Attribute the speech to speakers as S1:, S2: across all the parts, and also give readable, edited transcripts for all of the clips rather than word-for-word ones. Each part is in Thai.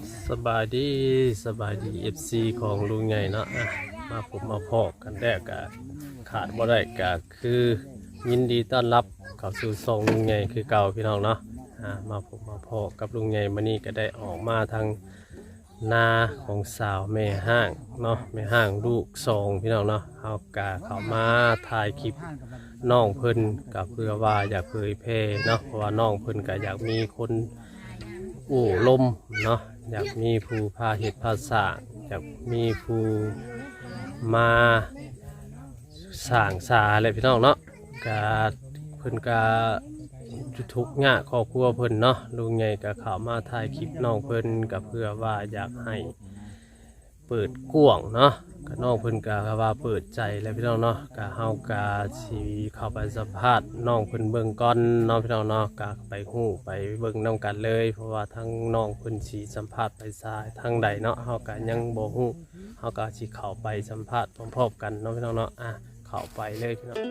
S1: สบายดีเอฟซีของลุงใหญ่เนาะมาผมมาพอกกันแรกกะขาดบ่ได้กะคือยินดีต้อนรับเข้าสู่ซองลุงใหญ่คือเก่าพี่น้องเนาะมาผมมาพอกกับลุงใหญ่มานี่ก็ได้ออกมาทางนาของสาวแม่ห้างเนาะแม่ห้างลูกซองพี่น้องเนาะเอากะเข้ามาถ่ายคลิปน้องเพิ่นกับเพื่อว่าอยากเผยแพร่เนาะเพราะว่าน้องเพิ่นก็อยากมีคนลมเนาะอยากมีผู้พาเหตุภาษาอยากมีผู้มาสร้างสาอะไรพี่น้องเนาะกาเพิ่นกาทุกข์ยากครอบครัวเพิ่นเนาะลุงใหญ่ก็เข้ามาถ่ายคลิปน้องเพิ่นก็เพื่อว่าอยากให้เปิดกว้างเนาะก็น้องเพิ่นก็ว่าเปิดใจแล้วพี่น้องเนาะก็เฮาก็สิเข้าไปสัมภาษณ์น้องเพิ่นเบิ่งก่อนเนาะพี่น้องเนาะก็ไปฮู้ไปเบิ่งนํกันเลยเพราะว่าทั้งน้องเพิ่นสิสัมภาษณ์ไปซ้ายทางใดเนาะเฮาก็ยังบ่ฮู้เฮาก็สิเข้าไปสัมภาษณ์พร้อมๆกันเนาะพี่น้องเนาะเข้าไปเลยพี่น้อง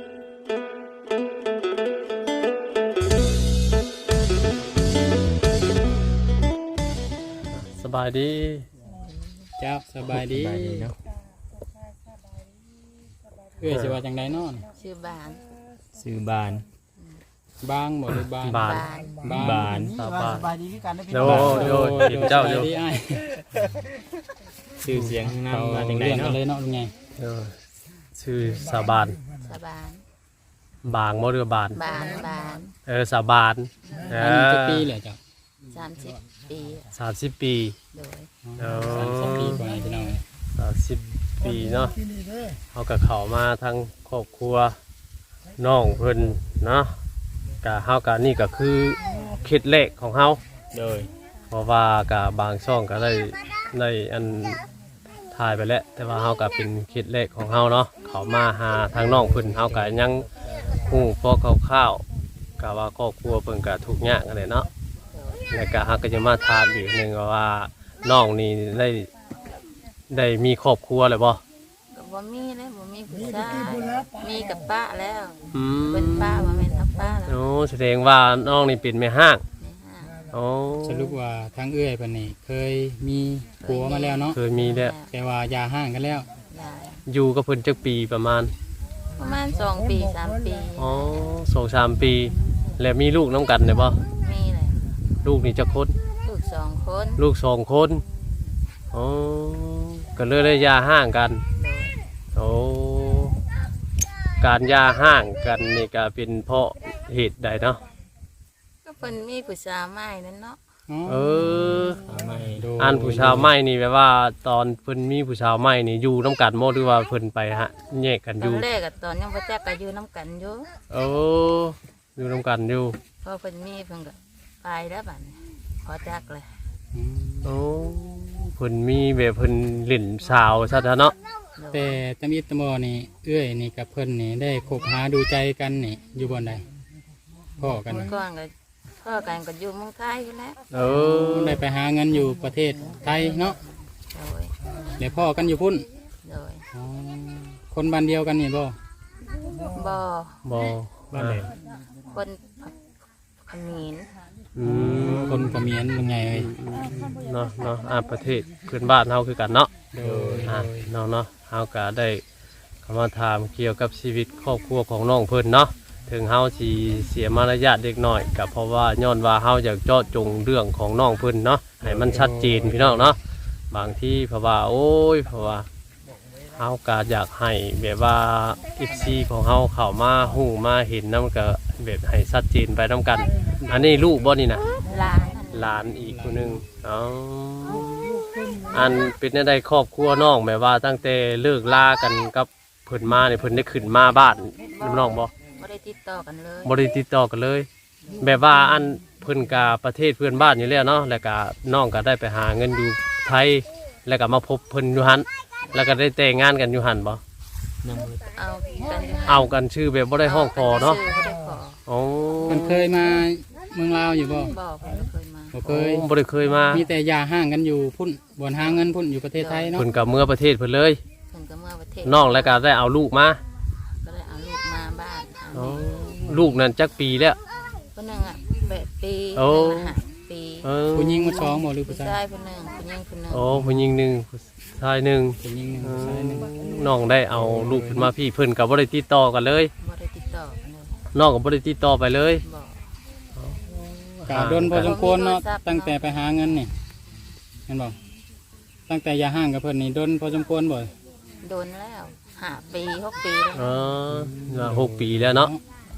S1: สบายดี
S2: เจ้าสบายดีเนาะสิว่าจังไดเนาะ
S3: ชื่อบาน
S4: ซื้อบาน
S2: บางบ่หรือบาน
S1: บาน
S4: บาน
S1: สบาย
S5: สบายดีคือกันได้พี่
S1: โด
S5: น้อง
S1: โดเห็นเจ้าอยู่
S2: สบยดีอ้าย
S4: ซื้อเสียงนำมาจังได
S2: เรื่องกั
S4: เนาะ
S2: นเลยเนาะลุงไง
S1: ชื่อสาบาน
S3: สบาน
S1: บางบ่เรือบาน
S3: บานบาน
S1: สาบาน
S2: อันนี้จะปีแหละเจ้า
S3: 30 ปี
S1: 30 ปี
S3: โดย
S2: 30 ปีกว่าพี่น้อง
S1: 30 ปีเนาะเขาก็เข้ามาทั้งครอบครัวน้องเพิ่นเนาะกะเฮากะนี่ก็คือเคล็ดแรกของเฮา
S4: โดย
S1: เพราะว่ากะบางช่องก็ได้อันถ่ายไปแล้วแต่ว่าเฮาก็เป็นเคล็ดแรกของเฮาเนาะเข้ามาหาทางน้องเพิ่นเฮาก็ยังฮู้พอคร่าวๆกะว่าครอบครัวเพิ่นก็ทุกข์ยากกันเลยเนาะแล้วก็เฮาก็จะมาถามอีกนึงว่าน้องนี่ได้มีครอบครัวแล้วบ่
S3: ก็บ่มีเลยบ่มีผู้ชายมีกับป้าแล้ว
S1: อื
S3: เป็นป้าบ่แม่นทับป้าแล้ว
S1: โอ้แสดงว่าน้องนี่เป็นแม่ห้าง
S3: ในห้าง
S1: โอ้
S2: สรุปว่าทางเอื้อยเพิ่นนี่เคยมีผัวมาแล้วเนาะ
S1: เคยมีแล้ว
S2: แต่ว่าอย่าห่างกันแล้ว
S3: ได้
S1: อยู่กับเพิ่นจักปีประมาณ
S3: 2 ปี3 ปี
S1: อ๋อ2-3 ปี แล้วมีลูกน้ำกันได้บ่
S3: มีเลย
S1: ลูกนี่จักคน
S3: ลูก2 คน
S1: ลูก2 คนอ๋อก็เลยได้หย่าห้างกัน
S3: โดย
S1: โอ้การหย่าห้างกันนี่ก็เป็นเพราะเหตุใดเนาะ
S3: ก็เพิ่นมีผู้ชายใหม่นั่นเนาะ
S2: อ๋อ
S1: เออ
S4: ไม่
S2: โดย
S1: อันผู้ชาวใหม่นี่แปลว่าตอนเพิ่นมีผู้ชาวใหม่นี่อยู่น้ำกันบ่หรือว่าเพิ่นไปแยกกัน
S3: ต
S1: อ
S3: อยู่ นแรกก็ตอนยังบ่จักก็อยู่นํกันอยู่
S1: โอ้อยู่น้ำกันอยู่
S3: พอเพิ่นมีเพิ่นก็ไปแล้วบัดนี้พอจักเลย
S2: อืม
S1: โอ้เพิ่นมีแบบเพิ่นเล่นสาวซะเถอะเนาะ
S3: โดย
S2: แต่ตำอิตตมอนี่เอื้อยนี่กับเพิ่นนี่ได้คบหาดูใจกันนี่อยู่บ่อนใดพ่อกัน
S3: เมื่อก่อนก็พ่อกันก็อยู่เมืองไทยอยู่แล้ว
S1: เออ
S2: ได้ไปหาเงินอยู่ประเทศไทยเนาะ
S3: โดย
S2: เดี๋ยวพ่อกันอยู่พุ่น
S3: โดย
S2: อ๋อคนบ้านเดียวกันนี่บ่
S3: บ่
S1: บ่
S4: บ้านไหน
S3: คนเขมิ้น
S1: อืม
S2: คนเขมียนยังไงเอ้ย
S1: เนาะประเทศเพื่อนบ้านเฮาคือกันเนาะ
S2: โดย
S1: เนาะเฮาก็ได้เข้ามาถามเกี่ยวกับชีวิตครอบครัวของน้องเพิ่นเนาะถึงเฮาสิเสียมารยาทเด็กน้อยก็เพราะว่าย้อนว่าเฮาอยากเจาะจงเรื่องของน้องเพิ่นเนาะให้มันชัดเจนพี่น้องเนาะบางที่เพราะว่าเพราะว่าเฮาก็อยากให้แบบว่า FC ของเฮาเข้ามาฮู้มาเห็นนำก็แบบให้ชัดเจนไปนํกัน อันนี้ลูกบ่นี่นะ
S3: หลานนั่น
S1: หลานอีกคนหนึ่งอ๋ออันเป็นได้ครอบครัวน้องแบบว่าตั้งแต่เลิกลากันกับเพิ่นมาเนี่ยเพิ่นได้ขึ้นมาบ้านน้องบ่
S3: บ่ได้ติดต่อกันเลย
S1: บ่ได้ติดต่อกันเลย แบบว่าอันเพิ่นกาประเทศเพื่อนบ้านอยู่แล้วเนาะแล้วก็น้องก็ได้ไปหาเงินอยู่ไทยแล้วก็มาพบเพิ่นอยู่หันแล้วก็ได้แต่งงานกันอยู่หันบ่
S4: นั่ง
S3: เอากันอยู่
S1: เอากันชื่อแบบบ่ได้ห้องคอเนาะ
S3: ชื่อบ่ได้ขอ
S1: อ๋อ
S2: มันเคยมาเมืองลาวอยู่บ่
S3: บ่เพิ่นบ่เคยมา
S2: บ่เคย
S1: บ่ได้เคยมา
S2: มีแต่ยาห่างกันอยู่พุ่นบ่อนหาเงินพุ่นอยู่ประเทศไทยเนาะ
S1: เพิ่นก็เมื่อประเทศเพิ่นเลย
S3: เพิ่นก็เมื่อประเทศ
S1: น้องแล้วก็ได้เอาลูกมา
S3: ก็เลยเอาลูกมาบ้าน
S1: อ๋อลูกนั้นจักปีแล้ว
S3: คนหนึงอ่ะ8 ปี
S1: โอ้
S3: คนหนึ่งอะ5 ปีปี
S2: ผู้หญิงมาสองบ่หรือ
S3: ผู้
S2: ผู้ชาย
S3: ชายคนหนึ่งผู้หญิงคนหนึ่ง
S1: โอ้ผู้หญิงหนึ่งผู้ชายหนึ่ง
S2: ผู้หญิงหนึ่งผู้ชายหนึ่ง
S1: น้องได้เอาลูกขึ้นมาพี่เพิ่นกับบ่ได้ติดต่อกันเลย
S3: บ่ได้ติดต่อกันเลย
S1: น้องกับบ่ได้ติดต่อไปเลย
S3: บอก
S2: กะโดนพอสมควรเนาะตั้งแต่ไปหาเงินนี่เห็นบ่ตั้งแต่อย่าห่างกับเพิ่นนี่โดนพอสมควรบ่
S3: โดนแล้ว5 ปี 6 ปีแล้ว
S1: อ๋อ6 ปีแล้วเนาะ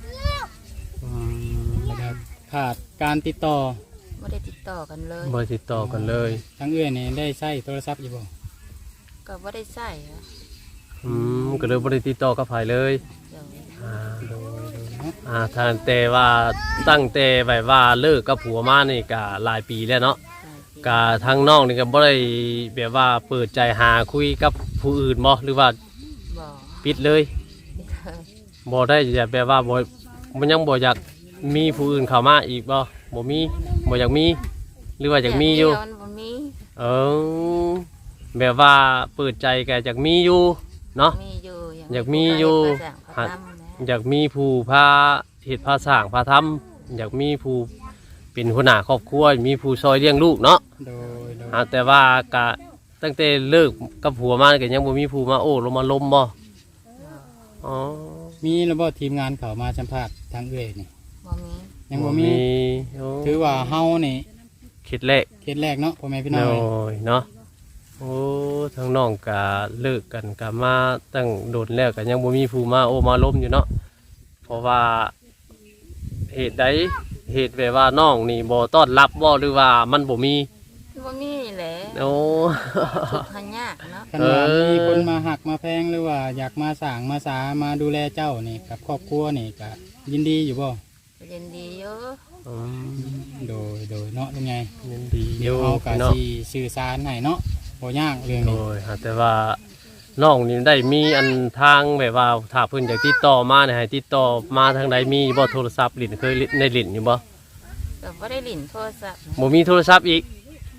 S2: แล้วก็ขาดการติดต่อ
S3: บ่ได้ติดต่อกันเลย
S1: บ่ได้ติดต่อกันเลย
S2: ทั้งเอื้อยนี่ได้ใช้โทรศัพท์อยู่บ่
S3: ก็บ่ได้ใช้อะ
S1: ก็เลยบ่ได้ติดต่อกับไผเลย
S3: เดี๋ยว
S1: อ่า
S2: โดยเนาะ
S1: ทางแต่ว่าตั้งแต่แบบว่าเลิกกับผัวมานี่ก็หลายปีแล้วเนาะ
S3: หลายปี
S1: ก็ทางน้องนี่ก็บ่ได้แบบว่าเปิดใจหาคุยกับผู้อื่นบ่หรือว่า
S3: บอก
S1: ปิดเลยบ่ได้จะแบบว่าบ่มันยังบ่อยากมีผู้อื่นเข้ามาอีกบ่บ่มีบ่อยากมีหรือว่าอยากมีอยู่
S3: เดี๋วมันบ่มี
S1: เออแบบว่าเปิดใจก็อยากมีอยู่เนาะ
S3: มีอยู่
S1: อยากมีอยู่
S3: พระสร้างพระทำนะ
S1: อยากมีผู้พาเฮ็ดพาสร้างพาทำอยากมีผู้เป็นหัวหน้าครอบครัวมีผู้ซอยเลี้ยงลูกเนาะ
S2: โดย
S1: แต่ว่าก็ตั้งแต่เลิกกับผัวมาก็ยังบ่มีผู้มาโอ้ลงมาล้มบ่อ๋อ
S2: มีระบบทีมงานเขามาสัมภาษณ์ทางเอื้อยนี่
S3: บ่มี
S2: ยังบ่มี
S1: โอ้
S2: ถือว่าเฮานี่
S1: คิดแรก
S2: เคสแรกเนาะพ่อแม่พี่น้อง
S1: โอ้
S2: เอ้ย
S1: ยเนาะโอ้ทั้งน้องก็เลิกกันก็มาตั้งโดนแล้วก็ยังบ่มีผู้มาโอ้มาล้มอยู่เนาะเพราะว่าเหตุใดเหตุแบบว่าน้องนี่บ่ต้อนรับบ่หรือว่ามันบ่มี
S3: บ่มีแหละ
S1: โอ้
S3: ทุกข์หายากเนาะ
S2: คันว่ามีคนมาหักมาแพงหรือว่าอยากมาสร้างมาสามาดูแลเจ้านี่กับครอบครัวนี่ก็ยินดีอยู่บ่
S3: ยินดีอยู่
S1: อืม
S2: โดยเนาะลุงไง
S1: ยินดีอ
S2: เดี๋ยว
S1: ยู่
S2: เอากะ
S1: เนาะ
S2: สิสื่อสารให้เนาะบ่ยากเรื่อง
S1: โด
S2: นี้
S1: ยแต่ว่าน้องนี่ได้มีอันทางแบบว่าถ้าเพิ่นอยากติดต่อมาเนี่ยให้ติดต่อมาทางใดมีบ่โทรศัพท์ลิ้นเคยได้ลิ้นอยู่บ่
S3: ก็บ่ได้ลิ้นโทรศัพท์นะ
S1: บ่มีโทรศัพท์อีก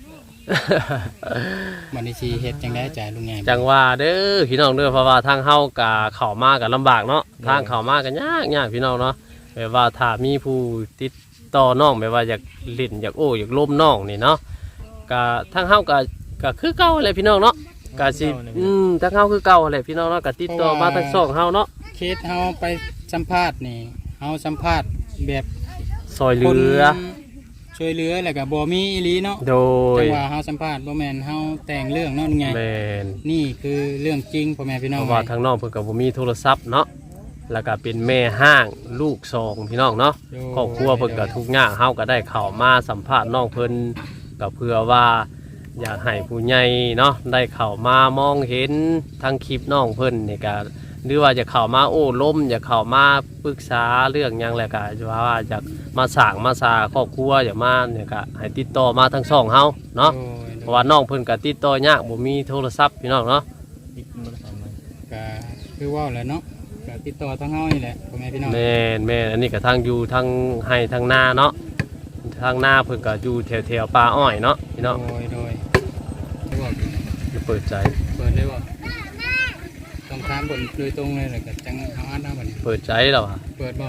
S2: บัดนี้สิเฮ็ดจังได๋จ่ายลุงไง
S1: จังว่าเด้อพี่น้องเด้อเพราะว่าทางเฮาก็เข้ามาก็ลำบากเนาะทางเข้ามาก็ยากพี่น้องเนาะแบบว่าถ้ามีผู้ติดต่อน้องแบบว่าอยากลิ้นอยากโอ้อยากล้มน้องนี่เนาะก็ทางเฮาก็คือเก่าแหละพี่น้องเนาะก็สิทางเฮาคือเก่าแหละพี่น้องเนาะก็ติดต่อมาทางช่องเฮาเนาะ
S2: เคสเฮาไปสัมภาษณ์นี่เฮาสัมภาษณ์แบบ
S1: ซอยเห
S2: คน
S1: ลือ
S2: ช่วยเหลือแล้วก็บ่มีอีหลีเนาะ
S1: โดย
S2: จังว่าเฮาสัมภาษณ์บ่แม่นเฮาแต่งเรื่องเนาะลุงไง
S1: แม่น
S2: นี่คือเรื่องจริงพ่อแม่พี่น้
S1: เพ
S2: อง
S1: ราะว่าทางน้องเพิ่นก็บ่มีโทรศัพท์เนาะแล้วก็เป็นแม่ห้างลูกสองพี่น้องเนาะครอบครัวเพิ่นก็ทุกข์ยากเฮาก็ได้เข้ามาสัมภาษณ์น้องเพิ่นก็เพื่อว่าอยากให้ผู้ใหญ่เนาะได้เข้ามามองเห็นทางคลิปน้องเพิ่นนี่ก็หรือว่าจะเข้ามาโอ้ล้มอยากเข้ามาปรึกษาเรื่องหยังแหละก็ว่าอยากมาสร้างมาสาครอบครัวอยากมาเนี่ยก็ให้ติดต่อมาทางช่องเฮาเนาะ
S2: โดย
S1: เพราะว่าน้องเพิ่นก็ติดต่อยากบ่มีโทรศัพท์พี่น้องเนาะ
S2: ก็คือว่าแหละเนาะก็ติดต่อทางเฮานี่แหละพ่อแม่พี่น้อง
S1: แม่นอันนี้ก็ทางอยู่ทางให้ทางนาเนาะทางนาเพิ่นก็อยู่แถวป่าอ้อยเนาะพี่น้อง
S2: โดยบอก
S1: จะเปิดใจ
S2: เปิดเลยบ่ต้องถามบนโดยตรงเลยแล้วก็จังเอาอ่านเอาบัดนี้
S1: เปิดใจแล้วอ่ะ
S2: เปิดบ่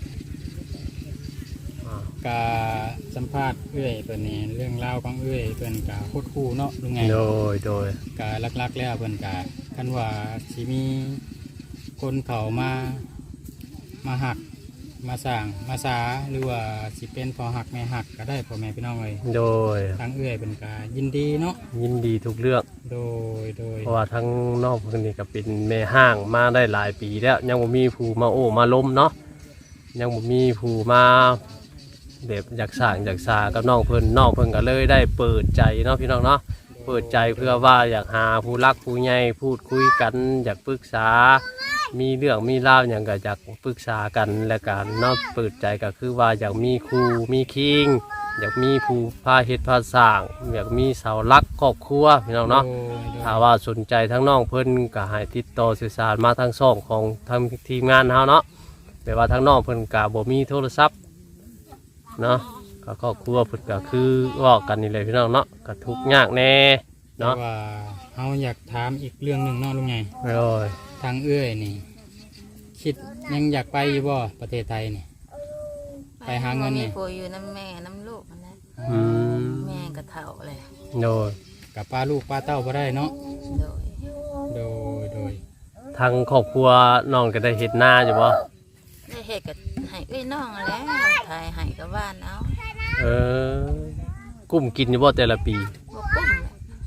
S1: อ่า
S2: กาสัมภาษณ์เอื้อยเพิ่นนี่เรื่องราวของเอื้อยเพิ่นกาโคตรคู่เนาะลุงไง
S1: โดย
S2: กาลักๆแล้วเพิ่นกาคันว่าสิมีคนเขามาหักมาสร้างมาสาหรือว่าสิเป็นพอหักแม่หักก็ได้พ่อแม่พี่น้องเลย
S1: โดย
S2: ทางเอื้อยเพิ่นกายินดีเนาะ
S1: ยินดีทุกเรื่อง
S2: โดย
S1: เพราะว่าทั้งน้องเพิ่นนี่ก็เป็นแม่ห้างมาได้หลายปีแล้วยังบ่มีผู้มาโอ้มาล้มเนาะยังบ่มีผู้มาแบบอยากสร้างอยากสากับน้องเพิ่นก็เลยได้เปิดใจเนาะพี่น้องเนาะเปิดใจเพื่อว่าอยากหาผู้รักผู้ใหญ่พูดคุยกันอยากปรึกษา มีเรื่องมีราวอย่างก็อยากปรึกษากันและกันเนาะเปิดใจก็คือว่าอยากมีครูมีคิงอยากมีผู้พาเฮ็ดพาสร้างอยากมีเสาหลักครอบครัวพี่น้องเนาะ ถ้าว่าสนใจทั้งน้องเพิ่นก็ให้ติดต่อสื่อสารมาทางช่องของทางทีมงานเฮาเนาะแต่ว่าทั้งน้องเพิ่นก็บ่มีโทรศัพท์เนาะก็ครอบครัวเพิ่นก็คือเว้ากันนี่แหละพี่น้องเนาะก็ทุกข์ยากแน่
S2: เนาะ
S1: เนาะ
S2: ว่าเฮาอยากถามอีกเรื่องหนึงเนาะลุงไง
S1: โอ้ย
S2: ทางเอื้อยนี่ คิดยังอยากไปอยู่บ่ประเทศไทยนี่ ไปหาเงินนี่
S3: มีผัวอยู่น้ำแม่น้ำลูกนั่นแหละ
S1: อืม
S3: แม่ก็เฒ่าเลย
S1: โดย
S2: กับป้าลูกป้าเต้าบ่ได้เนาะ
S3: โดย
S2: โดย
S1: ทางครอบครัวน้องก็ได้เฮ็ดนาอยู่บ่
S3: ได้เฮ็ดก็ให้เอ้ยน้องแล้วถ่ายให้กับบ้านเอา
S1: เออกุ้มกินอยู่บ่แต่ละปี
S3: บ่กุ้ม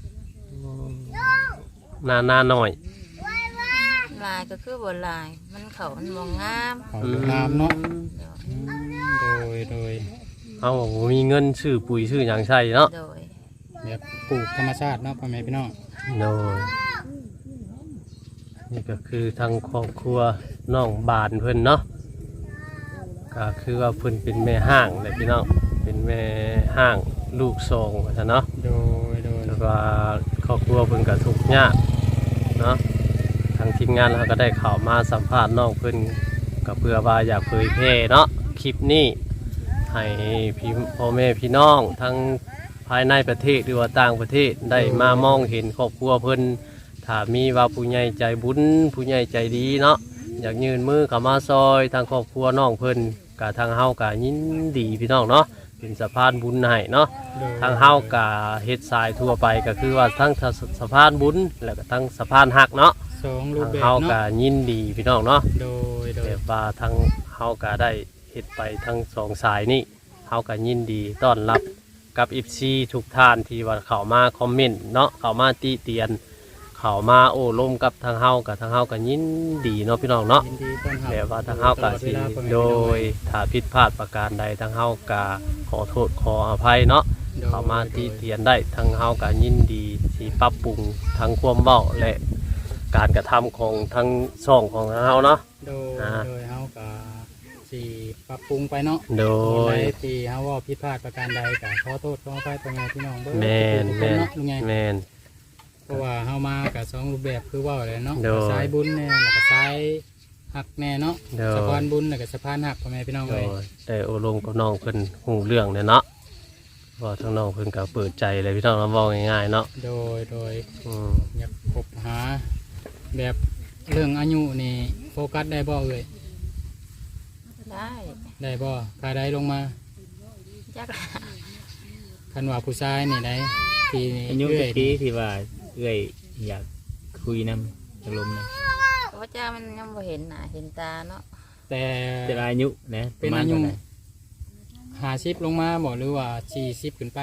S3: แหละ
S1: นาน้อย
S3: ลายก็คือบ่ลาย มันเขามันบ่งาม
S2: เขาดูงามเนาะ โดย
S1: เอาบ่มีเงินซื้อปุ๋ยซื้อหยังใช้เนาะ
S3: โดย
S2: แบบปลูกธรรมชาติเนาะพ่อแม่พี่น้อง
S1: โดยนี่ก็คือทางครอบครัวน้องบานเพิ่นเนาะก็คือว่าเพิ่นเป็นแม่ห้างเลยพี่น้องเป็นแม่ห้างลูกสองว่าซั่นเนาะ
S2: โดย
S1: แล้วก็ครอบครัวเพิ่นก็ทุกข์ยากเนาะทางทีมงานเราก็ได้เข้ามาสัมภาษณ์น้องเพิ่นก็เพื่อว่าอยากเผยแพร่เนาะคลิปนี้ให้พี่พ่อแม่พี่น้องทั้งภายในประเทศหรือว่าต่างประเทศได้มามองเห็นครอบครัวเพิ่นถ้ามีว่าผู้ใหญ่ใจบุญผู้ใหญ่ใจดีเนาะอยากยืนมือเข้ามาซอยทางครอบครัวน้องเพิ่นก็ทางเฮาก็ยินดีพี่น้องเนาะเป็นสะพานบุญให้เนาะ ทางเฮากะเฮ็ดทรายทั่วไปก็คือว่าทั้งสะพานบุญแล้วก็ทั้งสะพานหักเนาะ
S2: สองรูป
S1: ทาง
S2: แบบ
S1: เฮากะ
S2: เนาะ
S1: ยินดีพี่น้องเนาะ
S2: โดย
S1: แต่ว่าทางเฮากะได้เฮ็ดไปทั้งสองสายนี่เฮากะยินดีต้อนรับกับ FC ทุกท่านที่ว่าเข้ามาคอมเมนต์เนาะเข้ามาติเตียนเข้ามาโอ้ร่มกับทางเฮากะทางเฮากะยินดีเนาะพี่น้องเนาะ
S2: ยินดีต้อนรับ
S1: แบบว่าทางเฮากะสิโดยถ้าผิดพลาดประการใดทางเฮากะขอโทษขออภัยเนาะ เข้ามาตีเตียนได้ทั้งเฮาก็ยินดีที่ปรับปรุงทั้งความเว้าและการกระทำของทั้งช่องของเฮาเนาะ
S2: โดยเฮาก็สิปรับปรุงไปเนาะ
S1: โดย
S2: ในที่เฮาว่าผิดพลาดประการใดก็ขอโทษขออภัยพ่อแม่พี่น้องเบิ่ง
S1: แม่น
S2: ทุกค
S1: แม่น
S2: เนาะลุงไง
S1: แม่น
S2: เพราะว่าเฮามากับสองรูปแบบคือเว่าเลยเนาะ
S1: โดย
S2: สายบุญแน่แล้วก็สายหักแน่เนาะ
S1: โดย
S2: สะพานบุญแล้วก็สะพานหักพ่อแม่พี่น้อง
S1: โด
S2: เลย
S1: ยได้โอลมกับน้องเพิ่นฮู้เรื่องเนี่ยเนาะว่าทั้งน้องเพิ่นก็เปิดใจเลยพี่น้องเราเว้าง่ายๆเนาะ
S2: โดย
S1: อืม
S2: อยากคบหา แบบเรื่องอายุนี่โฟกัสได้บ่เอ่ย
S3: ได้
S2: ได้บ่ใครได้ลงมา
S3: จัก
S2: คันว่าผู้ชายนี่ได้ที่
S4: อายุ
S2: เอื้
S4: จั
S2: อย
S4: กปีที่ว่าเอ้อยอยากคุยนำอารมณ์นะ
S3: เพราะเจ้ามันยังบ่เห็นหน้าเห็นตาเนาะ
S2: แต่
S4: แต่อายุนะ
S2: เป็นอายุ50ลงมาบ่หรือว่า40ขึ้นไป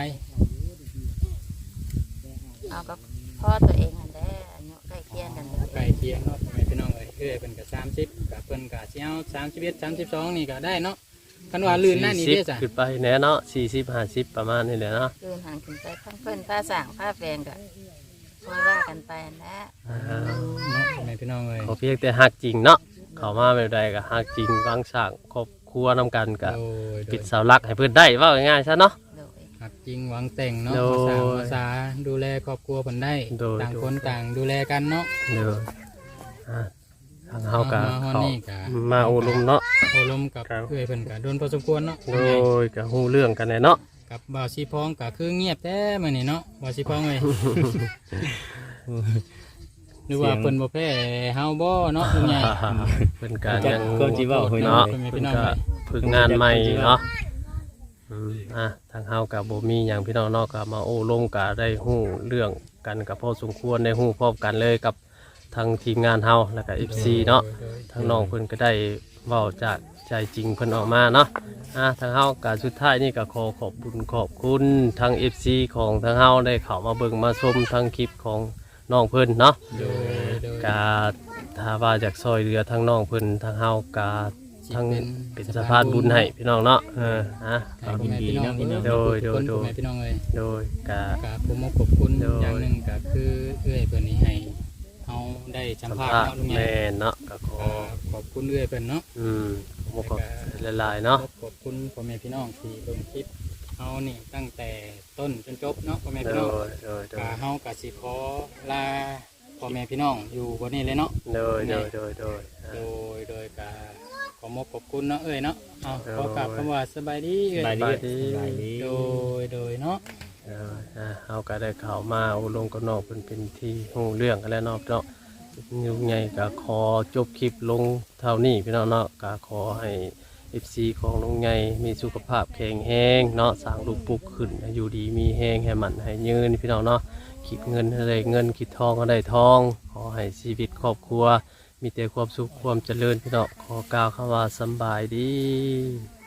S3: เอากับพ่อตัวเองนั่นแหละอายุใกล้เคียงกันเลย
S2: ใกล้เคียงเนาะพ่อแม่พี่น้องเอ้ยเพิ่นก็30กับเพิ่นก็สิเอา31 32นี่ก็ได้เนาะคันว่าลื่นหน้านี่เด้อจ้ะ
S1: 40ขึ้นไปแน่เนาะ40 50ประมาณนี้แหละเนาะ
S3: คืนหันขึ้นไปทั้งเพิ่นผ้าสั่งผ้าแฟงก็คอยว่ากันไปนะ
S1: อ่า
S2: เนาะพ่อแม่พี่น้องเอ้ย
S1: ขอเพียงแต่ฮักจริงเนาะเข้ามาแบบใดก็ฮักจริงวางสร้างครอบครัวนำกันก็
S2: โดย
S1: ปิดเสาหลักให้เพิ่นได้เว่าง่ายๆซะเนาะ
S3: โดย
S2: หักจริงหวังแต่งเนาะ
S1: โดย
S2: ภาษาภาษาดูแลครอบครัวเพิ่นได้
S1: โดย
S2: ต่างคนต่างดูแลกันเนาะ
S1: เด้ออ่าทางเฮาก็
S2: มาฮอด
S1: เขา
S2: นี่ก็
S1: มาโอลมเนาะ
S2: โอลมกับ
S1: ครับ
S2: เอ้ยเพิ่นก็โดนพอสมควรเนาะ
S1: โดยก็ฮู้เรื่องกันแน่เนาะ
S2: กับบ่าวสีพองก็คือเงียบแท้มื้อนี้เนาะบ่าวสีพองเอ้ยหรือว่าเพิ่นบ่แพ้เฮาบ่เนาะลุงใหญ่
S1: เพิ่นก็
S4: จั
S1: ยั
S4: ก
S1: ง
S4: ความสิเว้าเฮ้ย
S1: เนาะ
S2: เพิ่น
S1: เพิ่
S2: พี่
S1: น
S2: น้อง
S1: ก็
S2: เอ้ย
S1: ฝึกงานใหม่เนาะทางเฮาก็บ่มีหยังพี่น้องเนาะก็มาโอ้ลมก็ได้ฮู้เรื่องกันก็พอสมควรได้ฮู้พร้อมกันเลยกับทางทีมงานเฮาแล้วก็ FC เนาะ ทางน้องเพิ่นก็ได้เว้าจากใจจริงเพิ่นออกมาเนาะทางเฮาก็สุดท้ายนี่ก็ขอขอบคุณขอบคุณทาง FC ของทางเฮาได้เข้ามาเบิ่งมาชมทางคลิปของน้องเพิ่นเนาะ
S2: โดย
S1: ก็ถ้าว่าจากซอยเรือทางน้องเพิ่นทางเฮาก็ทางเป็นสะพานบุญให้พี่น้องเนาะ
S2: ให้พ่อแม่พี่น้อง
S1: โดย
S2: ทุกคนพ่อแม่พี่น้องเอ้ย
S1: โดยก็
S2: ก็ผมขอบคุณ
S1: โดย
S2: อย่างหนึงก็คือเอ้ยเพิ่นนี่ให้เฮาได้สัม
S1: สัม
S2: ภาษ
S1: ภา
S2: ณ์
S1: ษณ์
S2: เนาะลุงใหญ่
S1: แม่นเนาะก็ขอ
S2: ขอบคุณเอ้ยเพิ่นเนาะ
S1: ขอบหลายๆเนาะ
S2: ขอบคุณพ่อแม่พี่น้องที่เบิ่งคลิปเฮานี่ตั้งแต่ต้นจนจบเนาะพ่อแม่
S1: โด
S2: พี่น้อง
S1: ยโดยโด
S2: ก็
S1: ย
S2: เฮาก็สิขอลาพ่อแม่พี่น้องอยู่บนนี้เลยเนาะ
S1: โดยโดยโดยโดย
S2: โดยก็ขอมขอบคุณเนาะเอ้ยเนาะเอา
S1: โดย
S2: ขอกลับคำว่าสบายดีเอ้ย
S4: บาย
S1: สบายดี
S4: ดีบายดี
S2: โดยเนาะ
S1: เฮาก็ได้เข้ามาอบรมกับน้องเป็นที่ฮู้เรื่องกันแล้วเนาะเนาะยุ่งใหญ่ก็ขอจบคลิปลงเท่านี้พี่น้องเนาะก็ขอให้ FC ของลุงใหญ่มีสุขภาพแข็งแรงเนาะสร้างลูกปลูกขึ้นอยู่ดีมีแรงให้มันให้ยืนพี่น้องเนาะคิดเงินให้ได้เงินคิดทองก็ได้ทองขอให้ชีวิตครอบครัวมีแต่ความสุขความเจริญพี่น้องขอกล่าวคำว่าสำบายดี